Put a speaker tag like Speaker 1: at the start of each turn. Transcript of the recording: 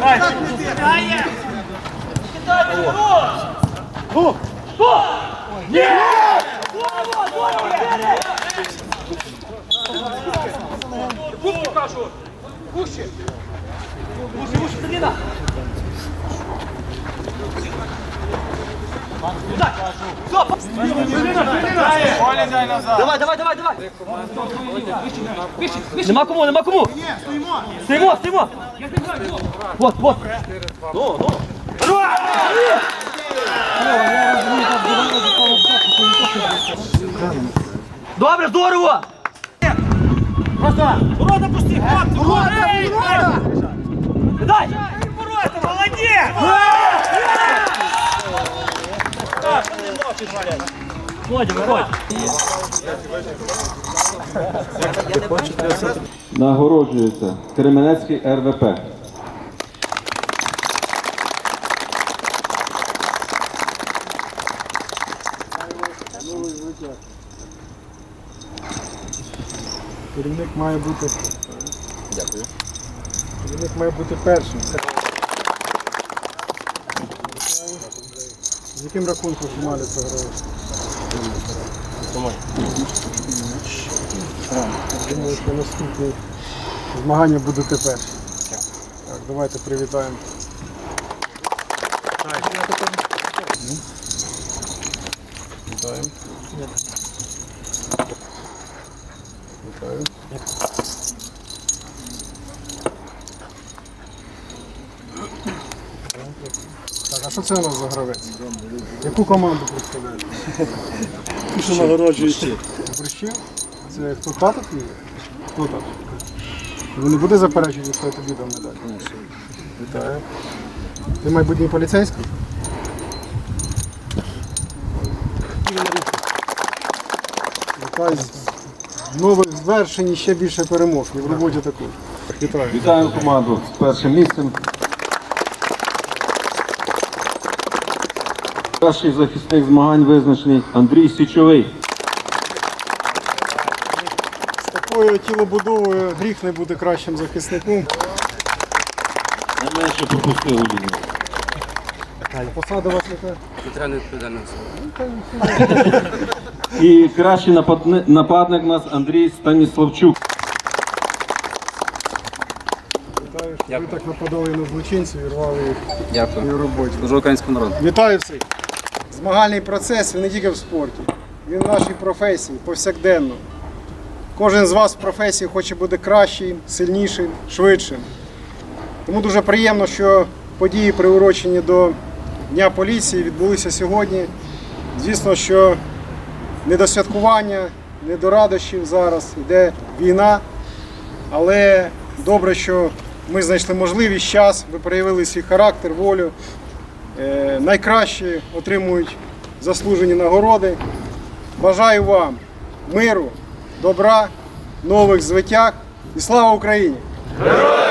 Speaker 1: Давай, давай, давай, давай! Нема кому, нема кому! Стоїмо, стоїмо! Вот, вот! Ну! Добре, здорово! Просто! Ворота пусти! Ворота! Дай! Ворота, молодець! Володя, виходь!
Speaker 2: Нагороджується Кременецький РВП.
Speaker 3: Керівник має бути. Дякую. Керівник має бути першим. З яким рахунком фіналі це грає? Думаю, що наступні змагання будете перші. Так, давайте привітаємо. Вітаємо. Вітаю. Так, а що це у нас за гравець? Яку команду представляєте?
Speaker 4: Що нагороджуєте?
Speaker 3: Борщів? Це хто тато твій? Хто тато? Ви не буде заперечувати, що я тобі дам медаль? Вітаю. Ти майбутній поліцейський? Вітаю. Нових звершень і ще більше перемог. І в роботі також. Вітаю.
Speaker 2: Вітаю команду з першим місцем. Кращий захисник змагань визначений Андрій Січовий.
Speaker 3: З такою тілобудовою гріх не бути кращим захисником.
Speaker 2: Найменше пропустив у лінію.
Speaker 3: Посада у вас яка?
Speaker 5: Центральний відповідальність.
Speaker 2: І кращий нападник у нас Андрій Станіславчук.
Speaker 3: Вітаю, що ви так нападали на злочинців і рвали їх
Speaker 5: Дякую.
Speaker 3: в роботі.
Speaker 5: Служу українському народу.
Speaker 3: Вітаю всіх! Змагальний процес, він не тільки в спорті, він в нашій професії, повсякденно. Кожен з вас в професії хоче бути кращим, сильнішим, швидшим. Тому дуже приємно, що події, приурочені до Дня поліції, відбулися сьогодні. Звісно, що не до святкування, не до радощів зараз, йде війна, але добре, що ми знайшли можливість, час, ви проявили свій характер, волю. Найкращі отримують заслужені нагороди. Бажаю вам миру, добра, нових звитяг і слава Україні!
Speaker 1: Героям